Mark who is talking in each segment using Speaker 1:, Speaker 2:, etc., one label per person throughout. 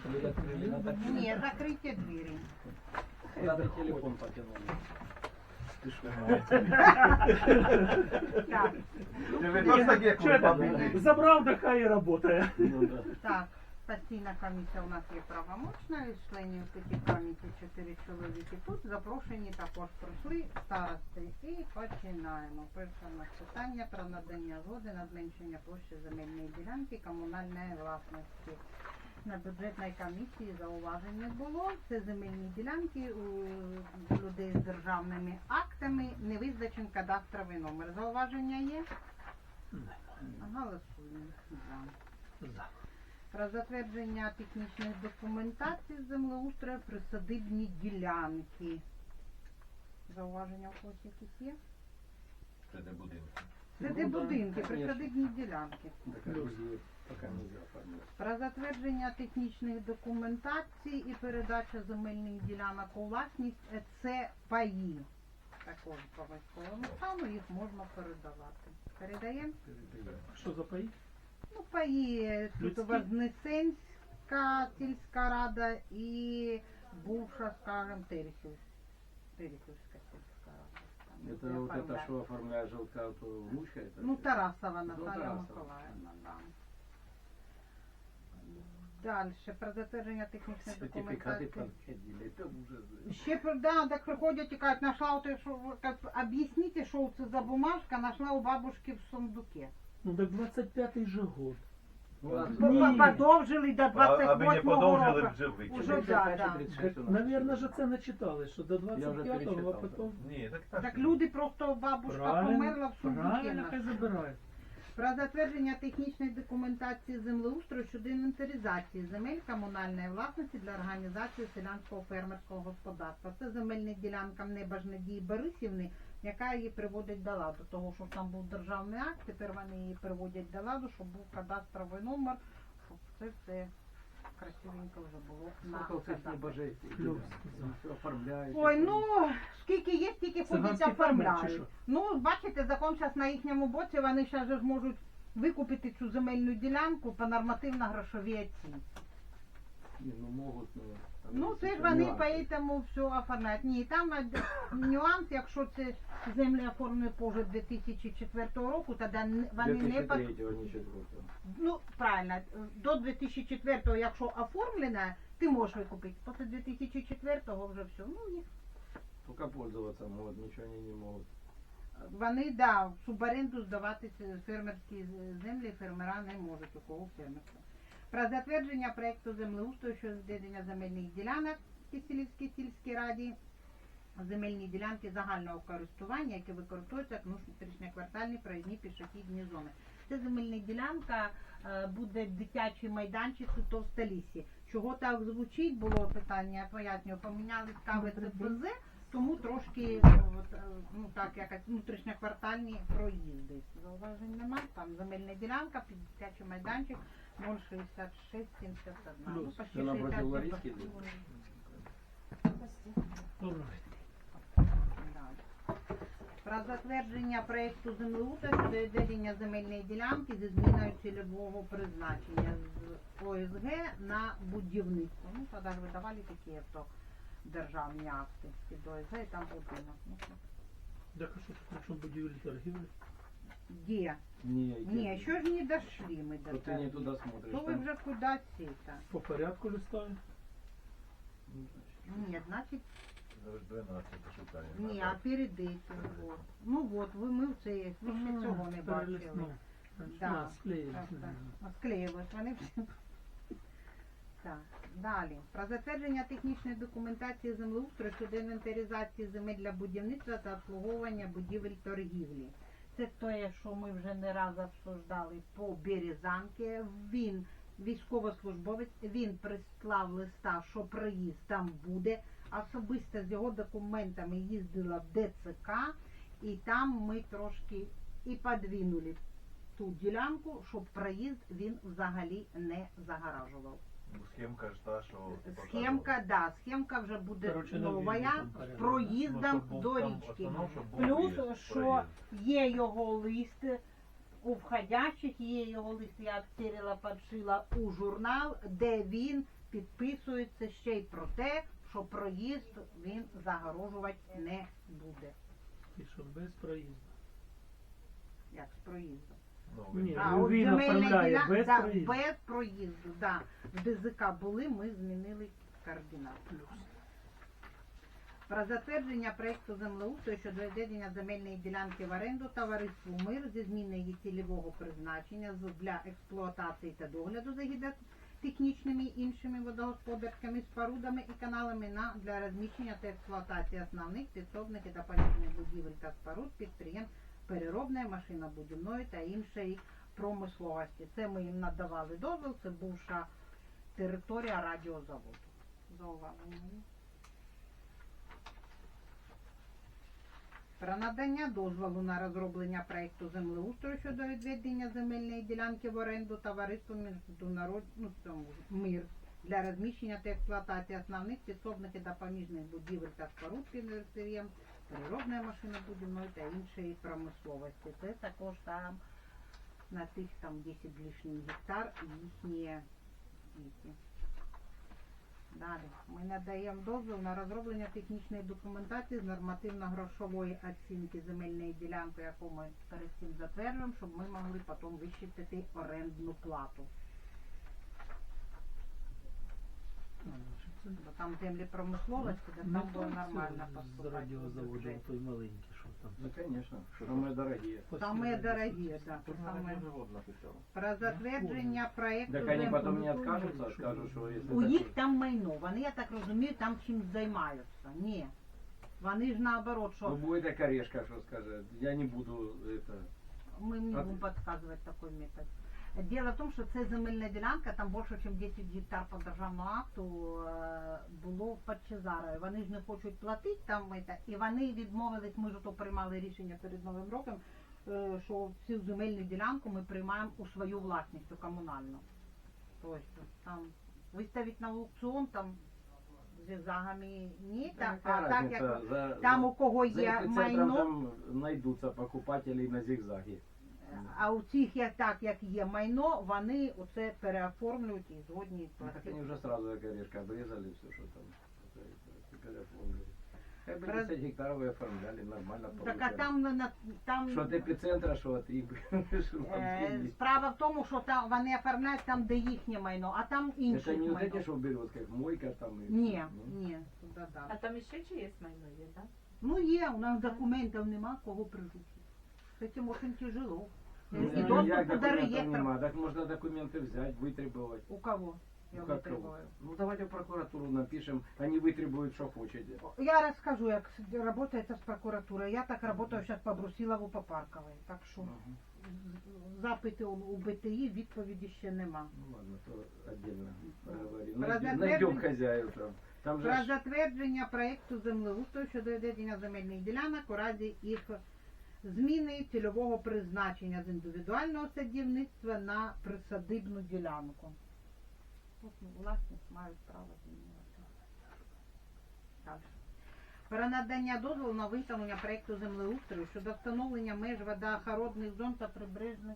Speaker 1: Ні, закрийте двері.
Speaker 2: Надо телефон потянуть. Ты что?
Speaker 1: Так,
Speaker 3: Забрав, да хай і працює.
Speaker 2: Ну да.
Speaker 1: так. Постійна комісія у нас є правомочна, із членів цієї комісії 4 чоловіки. Тут запрошені також прийшли старости. І починаємо. Перше у нас питання про надання згоди на зменшення площі земельної ділянки комунальної власності. На бюджетній комісії зауважень не було. Це земельні ділянки у людей з державними актами, не визначений кадастровий номер. Зауваження є? Голосуємо. За. Про затвердження технічних документацій з землеустрою присадибні ділянки. Зауваження у когось якісь є?
Speaker 4: Це де будинки.
Speaker 1: Це де будинки, присадибні ділянки.
Speaker 2: Так, друзі, пока нельзя оформлять.
Speaker 1: Про затвердження технічних документацій і передача земельних ділянок у власність – це паї. Також по військовому стану їх можна передавати. Передаємо?
Speaker 3: Що за паї?
Speaker 1: Ну, паї, тут у вас Вознесенська сільська рада і бувша, скажем, Терехівська сільська рада. Там,
Speaker 2: Это
Speaker 1: де
Speaker 2: вот это,
Speaker 1: оформляють.
Speaker 2: что оформляет желтка, то внучка это?
Speaker 1: Ну, Тарасова
Speaker 2: Ну,
Speaker 1: Наталія
Speaker 2: Тарасова.
Speaker 1: Миколаївна, да. Далі, про затвердження технічної
Speaker 2: Сертификаты
Speaker 1: документації.
Speaker 2: подходили, это ужас.
Speaker 1: Ще так приходять і кажуть, нашла оте, що, об'ясніть, що це за бумажка, нашла у бабушки в сундуке.
Speaker 3: Ну так 25-й же год.
Speaker 2: Ну,
Speaker 1: Подовжили до
Speaker 4: Аби не
Speaker 1: 28-го
Speaker 4: подовжили,
Speaker 1: року.
Speaker 4: вже
Speaker 1: Уже
Speaker 4: викинули.
Speaker 1: да.
Speaker 3: Наверное, же це не читали, що до
Speaker 2: Я вже
Speaker 3: 25-го, а
Speaker 2: перечитав,
Speaker 3: потім...
Speaker 4: Ні, так
Speaker 1: Так люди просто, бабушка померла в сундуке.
Speaker 3: правильно, хай
Speaker 1: нашла.
Speaker 3: забирають.
Speaker 1: Про затвердження технічної документації землеустрою щодо інвентаризації земель комунальної власності для організації селянського фермерського господарства. Це земельна ділянка Небажнадії Борисівни, яка її приводить до ладу. Того, що там був державний акт, тепер вони її приводять до ладу, щоб був кадастровий номер, щоб це красивенько вже було на
Speaker 2: Сколько цих
Speaker 1: кадастрі.
Speaker 2: небожителей.
Speaker 3: Плюс.
Speaker 2: Все оформляют.
Speaker 1: Ой, ну, скільки є, стільки ходять
Speaker 3: Циганські фермери чи
Speaker 1: оформляють.
Speaker 3: що?
Speaker 1: Ну, бачите, закон зараз на їхньому боці, вони зараз же зможуть викупити цю земельну ділянку по нормативно-грошовій оцінці.
Speaker 2: Не, ну могут, но... там
Speaker 1: Ну,
Speaker 2: есть
Speaker 1: це ж
Speaker 2: еще
Speaker 1: вони
Speaker 2: нюансы.
Speaker 1: поэтому все оформляють. Ні, там нюанс, якщо це землі оформлені позже 2004 року, тоді вони не...
Speaker 2: 2003-го, не 4-го.
Speaker 1: Ну, правильно, до 2004-го, якщо оформлена, ти можеш викупити. Після 2004-го вже все. Ну, їх
Speaker 2: Только пользоваться могут, ничего они не могут.
Speaker 1: вони, да, в суборенду здавати фермерські землі фермера не можуть, у кого фермерство. Про затвердження проєкту землеустрою щодо відведення земельних ділянок в Киселівській сільській раді, земельні ділянки загального користування, які використовуються як внутрішньоквартальні проїзні пішохідні зони. Це земельна ділянка, буде дитячий майданчик у Товстоліссі. Чого так звучить, було питання, я пояснюю, поміняли стави ЦПЗ, тому трошки, ну так, якось внутрішньоквартальні проїзди. Зауважень нема, там земельна ділянка, під дитячий майданчик 066 71. Ну,
Speaker 3: Плюс.
Speaker 1: почти
Speaker 2: Це напроти
Speaker 1: 60
Speaker 2: Ларіськи,
Speaker 3: Добре.
Speaker 1: Да. Про затвердження проєкту землеустрою щодо відведення земельної ділянки зі зміною цільового призначення з ОСГ на будівництво. Ну, тоді ж видавали такі то державні акти під ОСГ і там будинок. Ну,
Speaker 3: Так, а що тут, при чому будівлі торгівлі?
Speaker 1: де?
Speaker 2: Не,
Speaker 1: Ні, що ж не дошли ми до
Speaker 2: Вот ты не туда смотришь.
Speaker 1: То ви
Speaker 2: там-
Speaker 1: вже кудись це?
Speaker 3: По порядку листаю.
Speaker 2: Ну, значит,
Speaker 1: Ні, значить,
Speaker 4: Зараз 12 шукаємо.
Speaker 1: ні, а перед этим, вот. Ну от, ми в це, ви ще цього не бачили.
Speaker 3: Перелистнув. Значить,
Speaker 1: Да.
Speaker 3: на, склеїли.
Speaker 1: Склеювати вони всі. Так, далі. Про затвердження технічної документації землеустрою щодо інвентаризації земель для будівництва та обслуговування будівель торгівлі. Це те, що ми вже не раз обсуждали по Березанки. Він військовослужбовець, він прислав листа, що проїзд там буде. Особисто з його документами їздила в ДЦК, і там ми трошки і подвинули ту ділянку, щоб проїзд він взагалі не загоражував.
Speaker 4: Ну, схемка ж та, що...
Speaker 1: Схемка, да, схемка вже буде
Speaker 3: Короче, на
Speaker 1: нова
Speaker 3: вільні там
Speaker 1: з
Speaker 3: порядок.
Speaker 1: проїздом
Speaker 4: Ну, щоб був
Speaker 1: до
Speaker 4: там
Speaker 1: річки.
Speaker 4: основному, щоб був
Speaker 1: Плюс,
Speaker 4: проїзд,
Speaker 1: що
Speaker 4: проїзд.
Speaker 1: є його лист у входящих, є його лист, я обстерила, подшила у журнал, де він підписується ще й про те, що проїзд він загорожувати не буде.
Speaker 3: І що без проїзду.
Speaker 1: Як з проїздом.
Speaker 4: Ну,
Speaker 3: Ні.
Speaker 1: А
Speaker 3: Ну,
Speaker 1: от
Speaker 3: він
Speaker 1: земельна
Speaker 3: оформляє
Speaker 1: ділянка
Speaker 3: без
Speaker 1: да,
Speaker 3: проїзду.
Speaker 1: без проїзду. Да. В ДЗК були, ми змінили координати.
Speaker 3: Плюс.
Speaker 1: Про затвердження проєкту землеустрою щодо відведення земельної ділянки в оренду товариству «Мир» зі зміною її цільового призначення для експлуатації та догляду за гідротехнічними і іншими водогосподарськими спорудами і каналами для розміщення та експлуатації основних підсобних і допоміжних будівель та споруд підприємств переробної, машинобудівної та іншої промисловості. Це ми їм надавали дозвіл, це бувша територія радіозаводу. Зауваження. Про надання дозволу на розроблення проєкту землеустрою щодо відведення земельної ділянки в оренду товариству «Мир» для розміщення та експлуатації основних підсобних і допоміжних будівель та споруд підприємств переробної, машинобудівної та іншої промисловості. Це також там на тих там 10 лишніх гектар їхні. Далі ми надаємо дозвіл на розроблення технічної документації з нормативно-грошової оцінки земельної ділянки, яку ми перед цим затверджуємо, щоб ми могли потім вищитити орендну плату. Бо там землі промисловості, де там було нормально
Speaker 3: З
Speaker 1: поступати.
Speaker 3: радіозаводу той маленький, що там.
Speaker 2: Ну, конечно. Самые дорогие.
Speaker 1: Самые дорогие, да. Самые...
Speaker 4: Завод написав.
Speaker 1: Про затвердження проєкту
Speaker 2: Так они потом не
Speaker 3: ну,
Speaker 2: откажутся,
Speaker 3: ну,
Speaker 2: скажут, что если
Speaker 1: У їх
Speaker 2: такое-
Speaker 1: там майно, вони, я так розумію, там чимось займаються. Ні. Вони ж наоборот,
Speaker 2: Ну
Speaker 1: що
Speaker 2: будет окорешка, что скажет. Я не буду это.
Speaker 1: ми не будемо підказувати такий метод. Діло в тому, що це земельна ділянка, там більше, ніж 10 гектар по державному акту було в Подчезарові. Вони ж не хочуть платити там, і вони відмовились, ми ж то приймали рішення перед Новим роком, що цю земельну ділянку ми приймаємо у свою власність, у комунальну. Тобто там виставити на аукціон, там з зігзагами ні,
Speaker 2: Да,
Speaker 1: так,
Speaker 2: какая
Speaker 1: а так як
Speaker 2: разница,
Speaker 1: там у кого
Speaker 2: за
Speaker 1: є
Speaker 2: эпицентром
Speaker 1: майно,
Speaker 2: там найдутся покупатели на зигзаге.
Speaker 1: а у цих як так, як є майно, вони оце переоформлюють і згодні
Speaker 2: Ну, так
Speaker 1: платити.
Speaker 2: они уже сразу окорешка обрезали, все, что там. Теперь оформили. Как бы
Speaker 1: Про-
Speaker 2: 10 гектаров и оформляли, нормально
Speaker 1: Так а
Speaker 2: получали.
Speaker 1: там
Speaker 2: Что от эпицентра, что от их. что от их.
Speaker 1: справа в тому, що там вони оформляють там, де їхнє майно, а там
Speaker 2: Это
Speaker 1: інше
Speaker 2: не вот эти,
Speaker 1: майно.
Speaker 2: что в березках, мойка там. и-
Speaker 1: Ні,
Speaker 2: Ну.
Speaker 1: ні, туди
Speaker 5: А
Speaker 1: далі.
Speaker 5: там іще чиєсь майно є, так?
Speaker 1: Ну є, у нас документів нема, кого прижити. З цим очень тяжело.
Speaker 2: Ну,
Speaker 1: І
Speaker 2: я
Speaker 1: доступ
Speaker 2: як
Speaker 1: до
Speaker 2: документов
Speaker 1: реєстру.
Speaker 2: нема, так можно документы взять, вытребовать.
Speaker 1: У кого? Я
Speaker 2: Ну, как кого?
Speaker 1: витребую.
Speaker 2: Ну давайте в прокуратуру напишем, они вытребуют, что хотите.
Speaker 1: Я расскажу, як работает з прокуратурою. Я так работаю зараз по Брусилову, по Парковій. Так що
Speaker 2: Мгм.
Speaker 1: запити у БТІ, відповіді ще нема.
Speaker 2: Ну ладно, то отдельно поговорим.
Speaker 1: Про
Speaker 2: Найдем
Speaker 1: затвердження-
Speaker 2: хозяев там. Там же
Speaker 1: Про
Speaker 2: ж-
Speaker 1: затвердження проєкту землеустрою щодо відведення земельних ділянок у разі їх зміни цільового призначення з індивідуального садівництва на присадибну ділянку. Тут власність мають право змінювати. Далі. Про надання дозволу на виготовлення проєкту землеустрою щодо встановлення меж водоохоронних зон та прибережних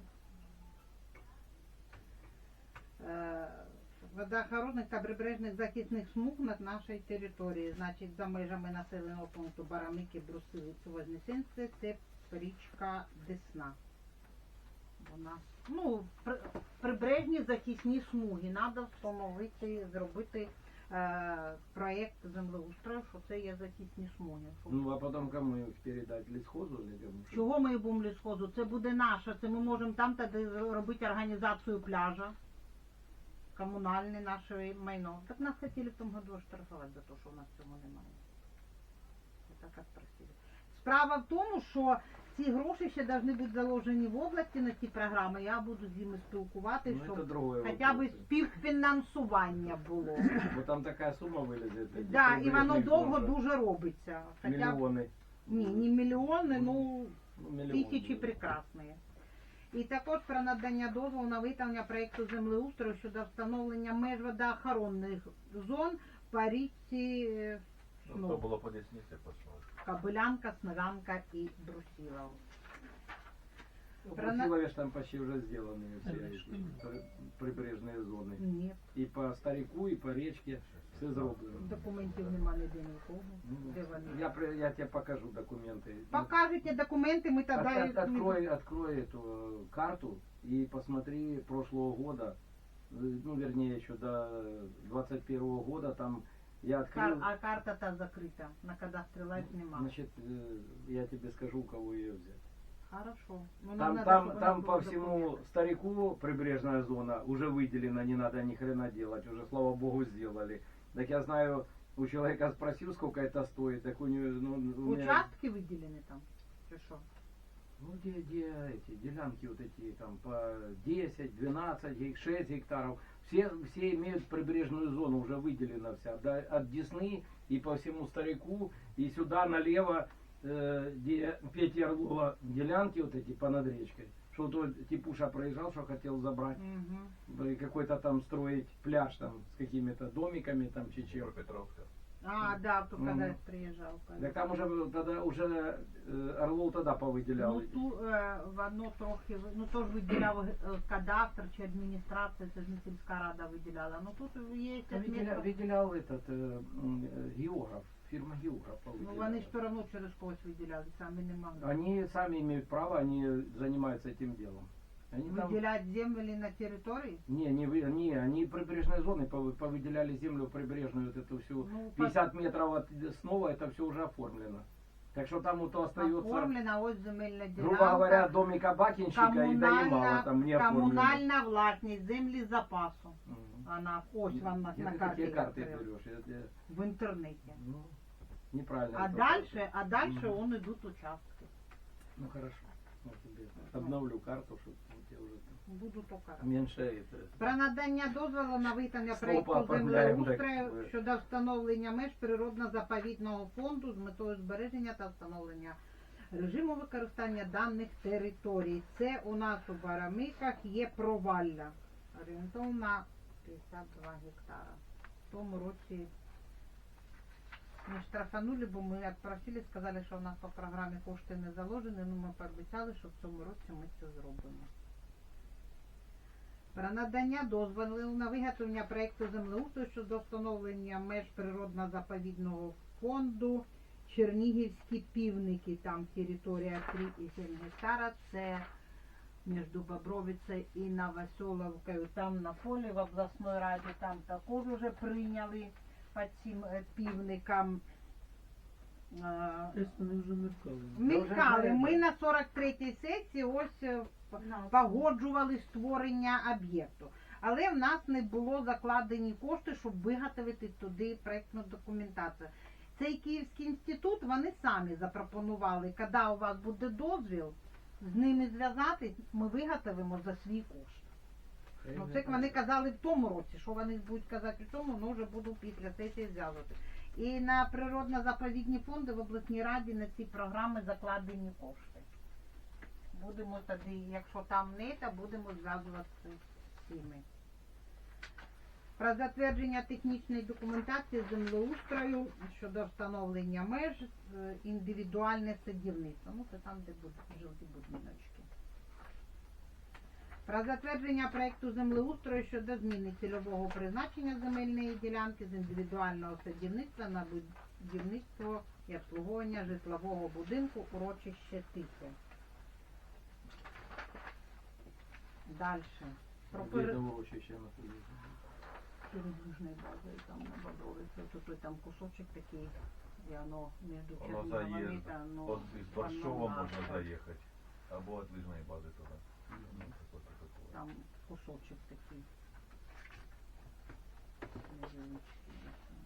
Speaker 1: водоохоронних та прибережних захисних смуг над нашої території, значить за межами населеного пункту Бараники, Брусилиці, Вознесенське, це річка Десна. Вона, ну, прибережні захисні смуги, треба встановити, зробити проєкт землеустрою, що це є захисні смуги. Щоб-
Speaker 2: Ну а потом кому их передать? Лесхозу или кому?
Speaker 1: Чого ми будемо лісхозу? Це буде наше, це ми можемо там тоді робити організацію пляжа. Комунальне наше майно. Так нас хотіли в тому году оштрафувати за те, що у нас цього немає. Це так просили. Справа в тому, що ці гроші ще повинні бути заложені в області на ці програми. Я буду з ними спілкуватися,
Speaker 2: Ну, это
Speaker 1: щоб
Speaker 2: другое.
Speaker 1: хоча б
Speaker 2: вопрос.
Speaker 1: співфінансування було.
Speaker 2: Вот там такая сумма вылезет. этих
Speaker 1: Да, і воно
Speaker 2: прибрежных
Speaker 1: довго
Speaker 2: зон,
Speaker 1: дуже робиться.
Speaker 2: что
Speaker 1: Хоча б,
Speaker 2: Миллионы.
Speaker 1: ні, не мільйони, ну
Speaker 2: Ну, миллионы.
Speaker 1: тисячі прекрасні. І також про надання дозволу на виготовлення проєкту землеустрою щодо встановлення меж водоохоронних зон по річці
Speaker 4: Ну, то було по Десниці, пішло.
Speaker 1: Кобилянка, Сновянка і Брусилов.
Speaker 2: Путиловец там почти уже сделаны все
Speaker 3: Это
Speaker 2: эти
Speaker 3: что?
Speaker 2: прибрежные зоны.
Speaker 1: Ні,
Speaker 2: И по Старику, и по речке все зроблено.
Speaker 1: документів нема ніде нікого.
Speaker 2: Ну,
Speaker 1: Де вони?
Speaker 2: я тебе покажу документы.
Speaker 1: Покажете документи, ми тоді...
Speaker 2: Открой эту карту и посмотри прошлого года, ну вернее еще до 21 года, там я открыл,
Speaker 1: А карта та закрита, на кадастрі лайф нема.
Speaker 2: значит, я тебе скажу, у кого ее взять.
Speaker 1: Хорошо. Ну, нам
Speaker 2: Там,
Speaker 1: надо,
Speaker 2: там,
Speaker 1: щоб
Speaker 2: там
Speaker 1: вона
Speaker 2: по
Speaker 1: була
Speaker 2: всему
Speaker 1: документ.
Speaker 2: Старику прибрежная зона уже выделена, не надо ни хрена делать, уже слава богу сделали. Так я знаю, у человека спросил, сколько это стоит, так у него, ну, у меня-
Speaker 1: Участки виділені там? Чи що?
Speaker 2: Ну, где эти делянки вот эти там по 10, 12, 6 гектаров, все имеют прибрежную зону, уже выделена вся, от Десны и по всему Старику, и сюда налево, где Пети Орлова делянки вот эти понад речкой, что вот Типуша проезжал, что хотел забрать,
Speaker 1: Угу.
Speaker 2: и какой-то там строить пляж там с какими-то домиками там чечев.
Speaker 4: Дніпропетровська.
Speaker 1: А, да, то
Speaker 2: Мгм.
Speaker 1: когда приезжал.
Speaker 2: Так там уже Орлов тогда повыделял.
Speaker 1: Ну, воно трохи, ну то ж виділяв кадастр чи адміністрація, це ж не сільська рада виділяла. Ну тут є
Speaker 2: Выделял этот географ, фирма географ.
Speaker 1: Ну вони ж все одно через когось виділяли, самі не могли.
Speaker 2: Они сами имеют право, они занимаются этим делом. Они там...
Speaker 1: Виділять землі на території?
Speaker 2: Они прибрежные зоны повыделяли землю прибрежную, вот эту всю
Speaker 1: Ну,
Speaker 2: 50 метров от снова, это все уже оформлено. Так что там вот остается,
Speaker 1: Оформлена ось земельна ділянка.
Speaker 2: грубо говоря, домика бакинщика и доемало там не оформлено.
Speaker 1: комунальна власність землі запасу.
Speaker 2: Мгм.
Speaker 1: Вона, ось вам
Speaker 2: Где
Speaker 1: на
Speaker 2: ты
Speaker 1: карті
Speaker 2: такие карты
Speaker 1: відкрила.
Speaker 2: берешь?
Speaker 1: В інтернеті.
Speaker 2: Ну, неправильно.
Speaker 1: А
Speaker 2: это
Speaker 1: дальше
Speaker 2: Мгм.
Speaker 1: он идут участки.
Speaker 2: Ну хорошо. Я тебе обновлю карту, чтобы у тебя уже там
Speaker 1: Буду то карати.
Speaker 2: меньше это.
Speaker 1: Про надання дозволу на виконання
Speaker 2: Стопа,
Speaker 1: проєкту
Speaker 2: оформляємо,
Speaker 1: землеустрою
Speaker 2: так.
Speaker 1: щодо встановлення меж природно-заповідного фонду з метою збереження та встановлення режиму використання даних територій. Це у нас у Барамиках є провалля. Орієнтовно 52 гектара. В тому році ми штрафанули, бо ми як просили, сказали, що у нас по програмі кошти не заложені, ну ми пообіцяли, що в цьому році ми це зробимо. Про надання дозволу на виготовлення проєкту землеустрою щодо встановлення меж природно-заповідного фонду Чернігівські півники, там територія 3,7 гектара, це між Бобровицею і Новоселовкою, там на полі в обласній раді, там також вже прийняли по цим півникам.
Speaker 3: Десь вони вже меркали.
Speaker 1: Мілкали. Ми на 43-й сесії ось погоджували створення об'єкту. Але в нас не було закладені кошти, щоб виготовити туди проєктну документацію. Цей Київський інститут, вони самі запропонували, коли у вас буде дозвіл, з ними зв'язатись, ми виготовимо за свій кошт. Ну, це вони казали в тому році, що вони будуть казати у цьому, ну вже буду після сесії зв'язувати. І на природно-заповідні фонди в обласній раді на ці програми закладені кошти. Будемо тоді, якщо там не, то будемо зв'язуватися з цими. Про затвердження технічної документації землеустрою щодо встановлення меж, індивідуальне садівництво. Ну, це там, де будуть жовті будиночки. Про затвердження проєкту землеустрою щодо зміни цільового призначення земельної ділянки з індивідуального садівництва на будівництво і обслуговування житлового будинку урочище Тихе. Дальше. Про
Speaker 2: Где-то урочище находится.
Speaker 1: Южной базой, там на Бодровице, тут там кусочек такий, і воно між
Speaker 4: Воно
Speaker 1: Черніговами,
Speaker 4: заїзд.
Speaker 1: та, ну,
Speaker 4: От із Борщова
Speaker 1: воно
Speaker 4: можна
Speaker 1: наше.
Speaker 4: заїхати. Або від лижної бази туди. Ну, таке, таке.
Speaker 1: Там кусочек такий. Невеличкий.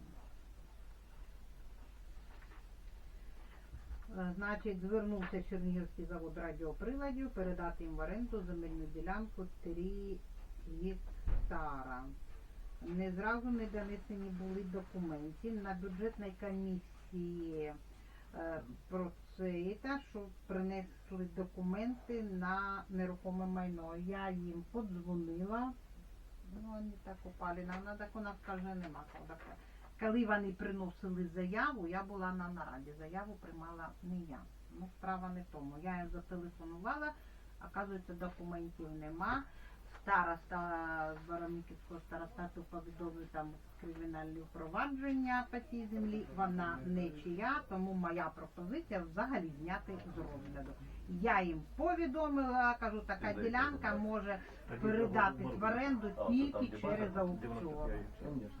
Speaker 1: Значить, звернувся Чернігівський завод радіоприладів передати їм в оренду земельну ділянку 3 гектара. Не зразу не донесені були документи. На бюджетній комісії про це, що принесли документи на нерухоме майно. Я їм подзвонила. Ну, вони так упали. Нам так у нас каже, нема. Коли вони приносили заяву, я була на нараді. Заяву приймала не я. Ну, справа не в тому. Я їм зателефонувала, Оказується, документів нема. Староста Баранківського старостату повідомив там кримінальні впровадження по цій землі. Вона не чия, тому моя пропозиція взагалі зняти з розгляду. Я їм повідомила, кажу, така ділянка може передатись в оренду тільки через аукціон.
Speaker 2: Конечно.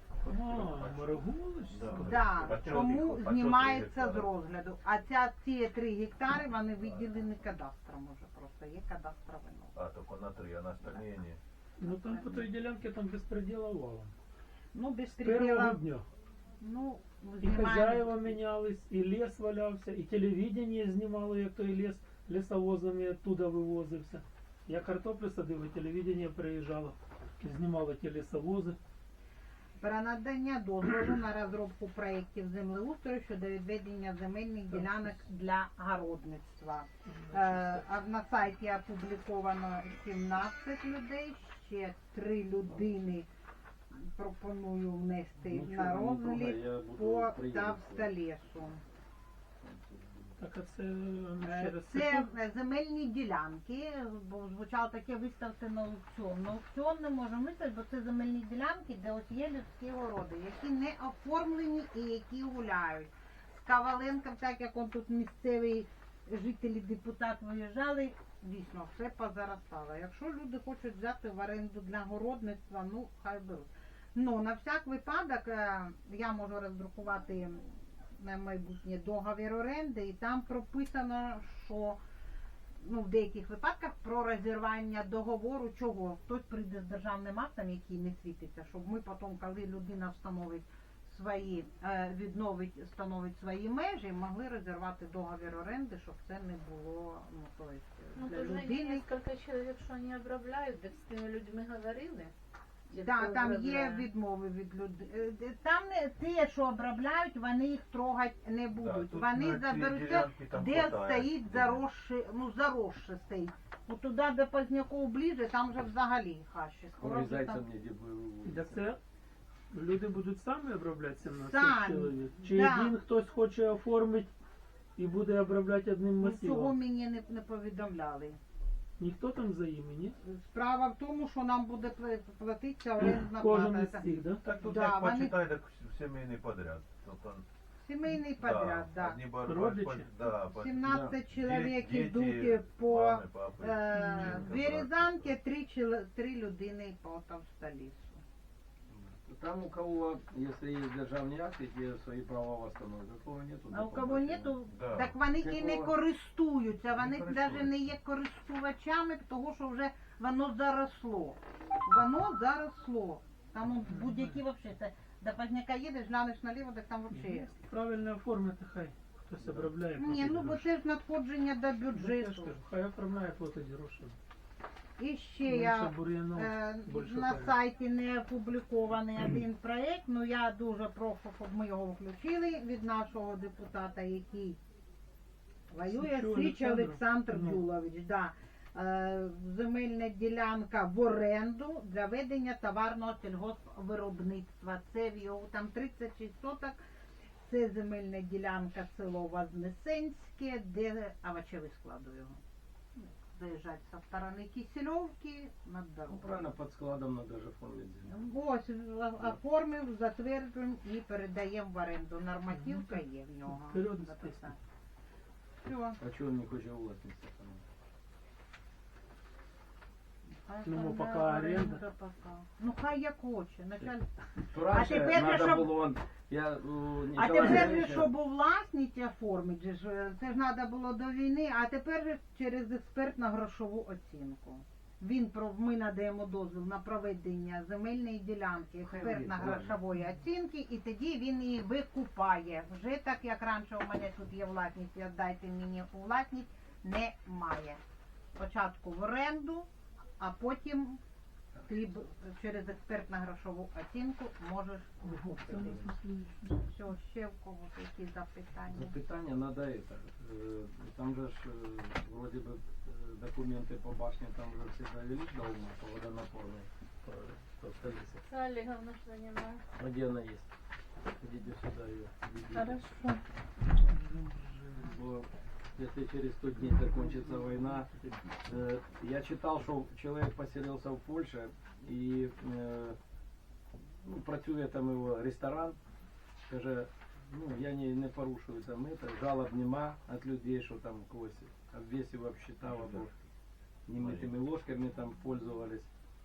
Speaker 3: Моргулич?
Speaker 1: Да, тому знімається з розгляду. А ці 3 гектари, вони виділені кадастром уже просто, є кадастровий номер.
Speaker 4: А, только на 3, а на остальные не.
Speaker 3: Ну там по той ділянці там безпреділа валом.
Speaker 1: Ну, без
Speaker 3: З першого
Speaker 1: переділа,
Speaker 3: дня.
Speaker 1: ну,
Speaker 3: І хазяїва
Speaker 1: знімаємо.
Speaker 3: мінялись, і ліс валявся, і телевідення знімало, як той ліс лісовозами оттуда вивозився. Я картоплю садив, і телевідення приїжджало, знімало ті лісовози.
Speaker 1: Про надання дозволу на розробку проєктів землеустрою щодо відведення земельних ділянок для городництва. А на сайті опубліковано 17 людей, ще 3 людини пропоную внести
Speaker 2: Нічого
Speaker 1: на
Speaker 2: не трогай,
Speaker 1: розгляд
Speaker 2: я буду
Speaker 1: по
Speaker 2: приємно.
Speaker 1: Тавсталесу.
Speaker 3: Так, а це ще раз
Speaker 1: Це земельні ділянки, бо звучало таке виставте на аукціон. На аукціон не можемо виставити, бо це земельні ділянки, де ось є людські городи, які не оформлені і які гуляють. З Коваленком, так як он тут місцевий жителі, депутат виїжджали, дійсно все позаростало. Якщо люди хочуть взяти в оренду для городництва, ну хай беруть. Ну, на всяк випадок я можу роздрукувати на майбутнє договір оренди, і там прописано, що ну, в деяких випадках про розірвання договору, чого хтось прийде з державним актом, який не світиться, щоб ми потім, коли людина встановить свої, встановить свої межі, могли розірвати договір оренди, щоб це не було, ну, то есть,
Speaker 5: Ну,
Speaker 1: для
Speaker 5: тоже
Speaker 1: людини.
Speaker 5: несколько человек, что они обробляют, так с теми людьми говорили. Ті,
Speaker 1: Да,
Speaker 5: хто
Speaker 1: там є
Speaker 5: обробляє.
Speaker 1: відмови від людей. Там не те, що обробляють, вони їх трогати не будуть.
Speaker 4: тут
Speaker 1: Вони
Speaker 4: на ці
Speaker 1: заберуть те,
Speaker 4: ділянки там
Speaker 1: де
Speaker 4: хватає.
Speaker 1: стоїть заросше стоїть. От туди, де Позняков ближе, там вже взагалі хащі. Скоро вже
Speaker 2: Урізайте
Speaker 1: там...
Speaker 2: мені, де ви
Speaker 3: Так це люди будуть самі обробляти 17
Speaker 1: Самі,
Speaker 3: чоловік? Чи
Speaker 1: да.
Speaker 3: один хтось хоче оформити і буде обробляти одним
Speaker 1: Ну, цього
Speaker 3: масивом?
Speaker 1: мені не повідомляли.
Speaker 3: Ніхто там за імені?
Speaker 1: Справа в тому, що нам буде платитися орендна
Speaker 3: Кожен
Speaker 1: плата.
Speaker 3: із цих, да?
Speaker 4: Так тут
Speaker 1: Да,
Speaker 4: як
Speaker 1: вони-
Speaker 4: почитай, так семейный подряд. Тобто,
Speaker 1: Сімейний подряд, да.
Speaker 4: одні
Speaker 3: Родичі?
Speaker 1: 17 чоловік
Speaker 4: Діти,
Speaker 1: йдуть по
Speaker 4: мами, папи, жінка,
Speaker 1: Березанки, 3 людини по Тавсталісу.
Speaker 2: Там у кого, если есть державні акти, ті свої права восстановят. У кого нету,
Speaker 1: А у кого нету,
Speaker 4: Да.
Speaker 1: так вони і не
Speaker 2: Якого?
Speaker 1: користуються, вони
Speaker 4: Не
Speaker 1: навіть
Speaker 4: користуються.
Speaker 1: не є користувачами, тому що вже воно заросло. Воно заросло. Там он будь-які взагалі, це до Позняка їдеш, глянеш наліво, так там взагалі.
Speaker 3: Правильно оформити, хай хтось обробляє.
Speaker 1: Ні,
Speaker 3: платить
Speaker 1: ну бо
Speaker 3: гроші.
Speaker 1: це ж надходження до
Speaker 3: Ну, я ж
Speaker 1: бюджету.
Speaker 3: кажу, хай оформляє, платить гроші.
Speaker 1: І ще
Speaker 3: Менше
Speaker 1: я
Speaker 3: бур'янов, більше
Speaker 1: на
Speaker 3: порядку.
Speaker 1: сайті не опублікований один проєкт, ну я дуже прошу, щоб ми його включили від нашого депутата, який воює,
Speaker 3: Січу
Speaker 1: Січ
Speaker 3: Олександру?
Speaker 1: Олександр
Speaker 3: Ну.
Speaker 1: Дюлович. Да. Земельна ділянка в оренду для ведення товарного сільгоспвиробництва. Це в його там 36 соток. Це земельна ділянка село Вознесенське, де овочевий складу його. Заїжджати со сторони Кисельовки над
Speaker 2: Ну,
Speaker 1: дорогою.
Speaker 2: правильно, під складом надо же оформити землю.
Speaker 1: Ось оформив, затверджуємо і передаємо в оренду. Нормативка є в нього.
Speaker 3: Вперед,
Speaker 1: Записано. Все.
Speaker 2: А чого він не хоче у власність?
Speaker 3: Ну, поки
Speaker 1: Оренда
Speaker 3: оренда.
Speaker 1: пока. Ну хай як хоче. Началь...
Speaker 2: То раніше
Speaker 1: тепер же,
Speaker 2: надо
Speaker 1: щоб-
Speaker 2: було, у
Speaker 1: А
Speaker 2: Ніколая
Speaker 1: тепер же,
Speaker 2: Андреевича-
Speaker 1: щоб у власність оформити, же ж, це ж треба було до війни, а тепер же через експертно-грошову оцінку. Ми надаємо дозвіл на проведення земельної ділянки
Speaker 2: Хай
Speaker 1: експертно-грошової оцінки, і тоді він її викупає. Вже так, як раніше у мене тут є власність, віддайте мені у власність, немає. Спочатку в оренду, а потім ти через експертно-грошову оцінку можеш викупити. Все, ще в когось які запитання?
Speaker 2: Запитання надо это. Там же ж вроде бы документы по башне там уже все довели до ума, по водонапорной, по столице.
Speaker 5: Олеговна что занимает.
Speaker 2: А где она есть? Идите сюда ее.
Speaker 5: Хорошо.
Speaker 2: Бо если через 100 дней закончится война. Я читал, что человек поселился в Польше и ну, працює там його ресторан, каже, ну я не порушую там это, жалоб нема от людей, що там когось обвесив, обсчитав, або немытыми ложками там пользовались.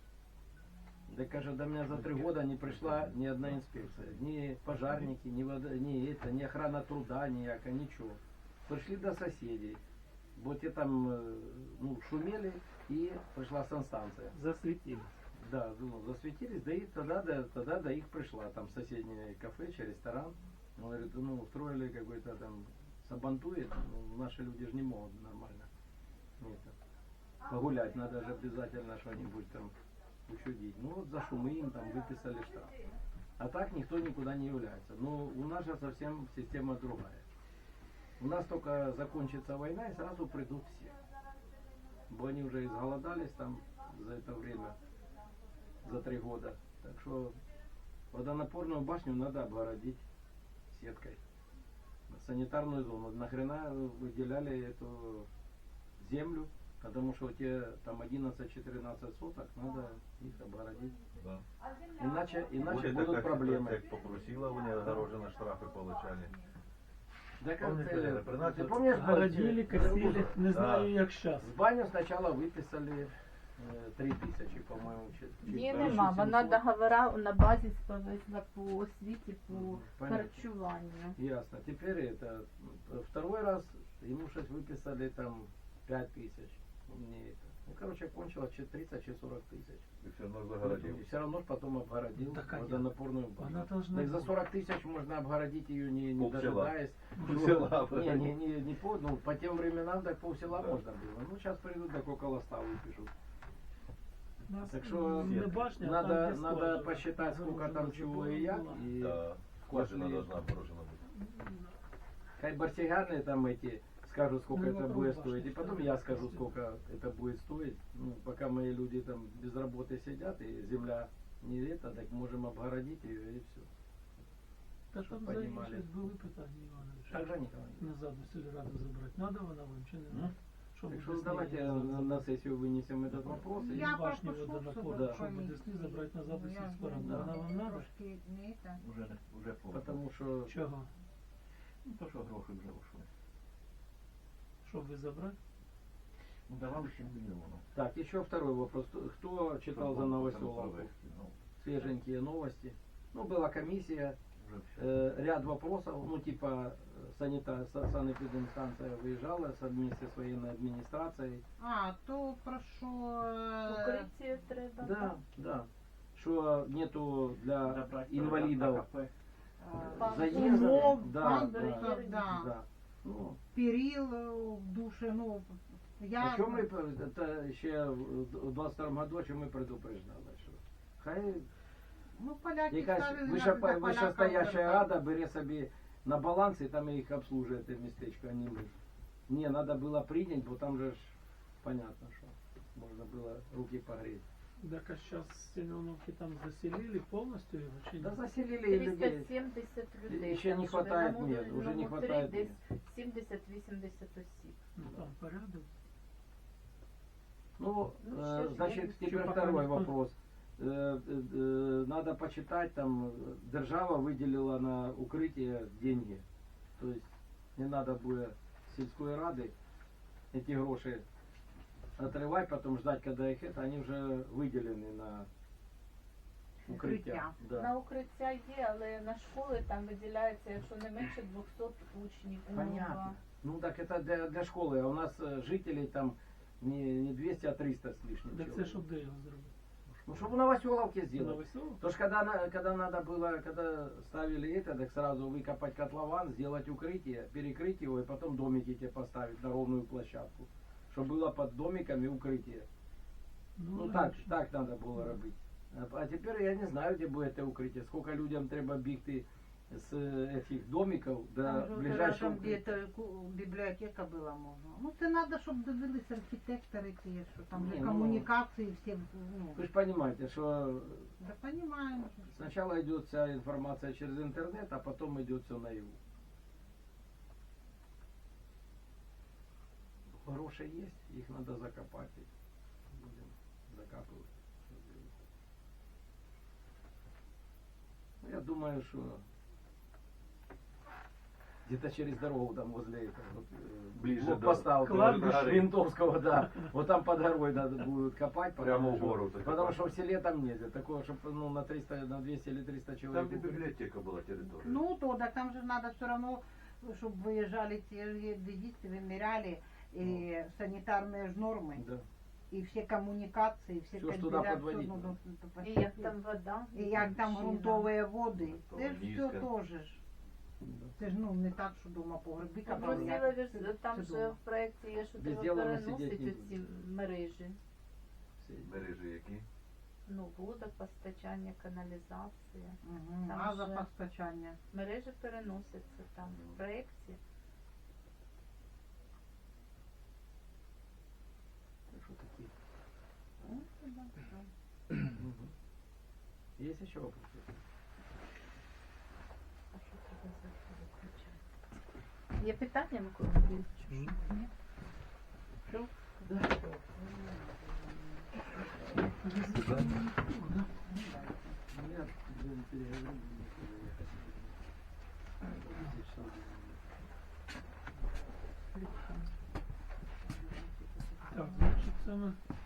Speaker 2: Да каже, до меня за 3 года не пришла ни одна инспекция, ни пожарники, ни охрана труда, ніяка, ничего. Пришли до соседей, бо те там ну, шумели, и пришла санстанция.
Speaker 3: Засветились.
Speaker 2: Да, ну, засветились, да и тогда до их пришла, там соседнее кафе, ресторан. Он говорит, ну, устроили какой-то там сабантует, ну, наши люди же не могут нормально погулять, надо же обязательно что-нибудь там учудить. Ну вот за шумы им там выписали штраф. А так никто никуда не является. Но у нас же совсем система другая. У нас только закончится война и сразу придут все. Бо они уже изголодались там за это время, за 3 года. Так что водонапорную башню надо обгородить сеткой. Санитарную зону. Нахрена выделяли эту землю? Потому что у тебя там 11-14 соток, надо их обгородить.
Speaker 4: Да.
Speaker 2: Иначе
Speaker 4: Будет
Speaker 2: будут
Speaker 4: так,
Speaker 2: проблемы.
Speaker 4: Как попросила, вони огорожені штрафи получали.
Speaker 2: Да как
Speaker 4: Помните,
Speaker 2: ты,
Speaker 4: при нас
Speaker 2: ты
Speaker 4: вот
Speaker 2: помнишь,
Speaker 3: Городили, косили, не знаю,
Speaker 4: Да.
Speaker 3: як щас.
Speaker 2: с баню сначала выписали 3000, по-моему.
Speaker 5: Ні, нема. Вона договора на базі повезла по освіті, по
Speaker 2: Понятно.
Speaker 5: харчуванню.
Speaker 2: Ясно. Теперь это второй раз ему сейчас выписали там 5000. Мне это. Ну, короче, кончилось 30 чи 40 тысяч.
Speaker 4: І все одно загородив.
Speaker 2: И все равно ж потом обгородил
Speaker 3: Так, а я-
Speaker 2: водонапорную
Speaker 3: Она
Speaker 2: башню.
Speaker 3: должна
Speaker 2: Так за
Speaker 3: быть.
Speaker 2: 40 тысяч можно обгородить ее не
Speaker 4: Полсела.
Speaker 2: дожидаясь.
Speaker 4: Полсела.
Speaker 2: Не по, ну, по тем временам так полсела
Speaker 4: Да.
Speaker 2: можно было. Ну, сейчас придут, так около 100 выпишут.
Speaker 3: Нас
Speaker 2: Так что
Speaker 3: не башня, а
Speaker 2: надо,
Speaker 3: там, где
Speaker 2: надо
Speaker 3: скважина.
Speaker 2: посчитать, сколько там
Speaker 3: Загорожена
Speaker 2: чего и як.
Speaker 3: забор
Speaker 2: И
Speaker 4: Да. Скважина должна оборожена бути.
Speaker 2: хай барсигарные там эти скажут, сколько
Speaker 3: Ну,
Speaker 2: это
Speaker 3: вокруг
Speaker 2: будет
Speaker 3: башни
Speaker 2: стоить. И потом
Speaker 3: что-то
Speaker 2: я
Speaker 3: есть.
Speaker 2: скажу, сколько это будет стоить. Ну, пока мои люди там без работы сидят и земля не это, так можем обгородить ее и все.
Speaker 3: Та
Speaker 2: щоб
Speaker 3: там взагалі
Speaker 2: понімали.
Speaker 3: щось були питання, Іванович.
Speaker 2: Так же, Николай?
Speaker 3: Назад до сільради забрати. Надо вона вам чи не надо? Щоб
Speaker 2: Так
Speaker 3: у
Speaker 2: что
Speaker 3: Десні
Speaker 2: давайте
Speaker 3: назад
Speaker 2: на
Speaker 3: забрати.
Speaker 2: сессию вынесем этот вопрос.
Speaker 3: І
Speaker 2: И
Speaker 1: Я
Speaker 3: башню
Speaker 1: пропишу,
Speaker 3: водонапору,
Speaker 2: Да.
Speaker 3: щоб у Десні забрати назад до
Speaker 1: Ну, я
Speaker 3: сільської ради.
Speaker 2: Да.
Speaker 3: Вона вам надо?
Speaker 1: Трошки не це.
Speaker 4: Уже плохо.
Speaker 2: потому что
Speaker 3: Чого?
Speaker 4: Ну, то, що гроші вже ушли.
Speaker 3: Щоб ви забрати?
Speaker 4: Ну, давали 7 мільйонів.
Speaker 2: так, еще второй вопрос. Кто читал за Новоселовку?
Speaker 4: Ну,
Speaker 2: Свеженькие новости. Ну, была комиссия,
Speaker 4: вже все.
Speaker 2: ряд вопросов, ну, типа санэпидемстанция выезжала вместе с военной администрацией.
Speaker 1: А, то про що...
Speaker 5: Укриття треба.
Speaker 2: Да, да. Что нету для инвалидов заезда.
Speaker 1: Умов,
Speaker 2: Да,
Speaker 1: пандусів,
Speaker 2: да,
Speaker 1: да.
Speaker 2: да. Ну,
Speaker 1: Перил в душі, ну, я...
Speaker 2: о чем мы, это еще в 22 году, о чем мы предупреждали, что хай
Speaker 1: Ну, поляки
Speaker 2: якась
Speaker 1: ставили на
Speaker 2: вищестояща рада бере собі на баланс і там їх обслужує те містечко, а не ми. Не, надо было принять, бо там же ж понятно, что можно было руки погреть.
Speaker 3: Так а зараз Семеновки там заселили повністю його чи ні?
Speaker 2: Да заселили и людей.
Speaker 5: 370 людей.
Speaker 2: Ще не
Speaker 5: там
Speaker 2: хватает
Speaker 5: живе. На
Speaker 2: мест, уже не
Speaker 5: модульному
Speaker 2: хватает
Speaker 5: три
Speaker 2: мест.
Speaker 5: Десь 70-80 осіб.
Speaker 3: Ну там порядок.
Speaker 2: Ну,
Speaker 5: Ну, сейчас
Speaker 2: значит,
Speaker 5: я-
Speaker 2: теперь
Speaker 3: Пока
Speaker 2: второй
Speaker 3: никто-
Speaker 2: вопрос. Надо почитать, там держава выделила на укрытие деньги. То есть не надо будет сельской рады эти гроши отрывать, потом ждать, когда их это, они уже выделены на укрытие.
Speaker 1: Укриття.
Speaker 2: Да.
Speaker 5: На укриття є, але на школи там виділяється, якщо не менше 200 учнів.
Speaker 2: Понятно. Ну так это для школы, а у нас жителей там не 200, а 300 с лишним.
Speaker 3: Так це
Speaker 2: человек.
Speaker 3: щоб де його зробити?
Speaker 2: Ну, чтобы в Новоселовке сделать.
Speaker 3: Новоселов?
Speaker 2: То ж когда надо было, когда ставили это, так сразу выкопать котлован, сделать укрытие, перекрыть его и потом домики тебе поставить на ровную площадку. Чтобы было под домиками укрытие. Ну так,
Speaker 3: логічно.
Speaker 2: так надо было робить. А теперь я не знаю, где будет это укрытие. Сколько людям треба бігти с этих домиков до
Speaker 1: Там же
Speaker 2: ближайшего
Speaker 1: рядом где-то бібліотека була можна. Ну це треба, щоб дивились архітектори ті, що там
Speaker 2: Ні,
Speaker 1: же
Speaker 2: ну,
Speaker 1: комунікації всі, ну,
Speaker 2: Вы же понимаете, что
Speaker 1: да понимаем.
Speaker 2: сначала идет вся информация через интернет, а потом идет все наяву. гроши есть, их надо закопать. Будем закапывать. Ну, я думаю, что где-то через дорогу там возле этого, вот,
Speaker 4: Ближе до
Speaker 2: блокпоста
Speaker 3: кладбища.
Speaker 2: Ментовского, да. Вот там по дороге надо будет копать.
Speaker 4: Прямо
Speaker 2: потому
Speaker 4: в
Speaker 2: что-
Speaker 4: гору
Speaker 2: Потому
Speaker 4: закопать.
Speaker 2: что в селе там нельзя. Такое, чтобы ну, на 300, на 200 или 300
Speaker 4: Там
Speaker 2: человек.
Speaker 4: где библиотека была территория.
Speaker 1: Ну, то, так там же надо все равно, чтобы выезжали те геодезисты, вымеряли и санитарные ж нормы,
Speaker 2: Да.
Speaker 1: и все коммуникации, все
Speaker 2: Всё ж туди подводить
Speaker 1: ну,
Speaker 2: надо.
Speaker 5: І як там вода,
Speaker 1: і як там
Speaker 5: мужчина.
Speaker 1: ґрунтові води.
Speaker 4: То
Speaker 1: Це ж все
Speaker 4: низько.
Speaker 1: теж ж. Це ж ну не так, що дома погреби
Speaker 5: Ну,
Speaker 1: копали,
Speaker 5: просила
Speaker 1: як
Speaker 5: ж,
Speaker 1: це-
Speaker 5: там
Speaker 1: це
Speaker 5: же
Speaker 1: дома.
Speaker 5: в проєкті є, що
Speaker 2: Без
Speaker 5: треба
Speaker 2: діла ми
Speaker 5: переносити
Speaker 2: сидіти не
Speaker 5: ці мережі.
Speaker 4: Мережі які?
Speaker 5: Ну, водопостачання, каналізація.
Speaker 1: Мгм,
Speaker 5: Там
Speaker 1: газопостачання.
Speaker 5: Мережі переносяться там в проєкті.
Speaker 2: Так что такие.
Speaker 1: Ну, да, да.
Speaker 2: Мгм. Есть еще вопросы?
Speaker 5: А що треба завтра виключати? Є питання, Микола Андрійович? Ні? Все?
Speaker 2: Нет, переговорим.
Speaker 3: Так, значить, саме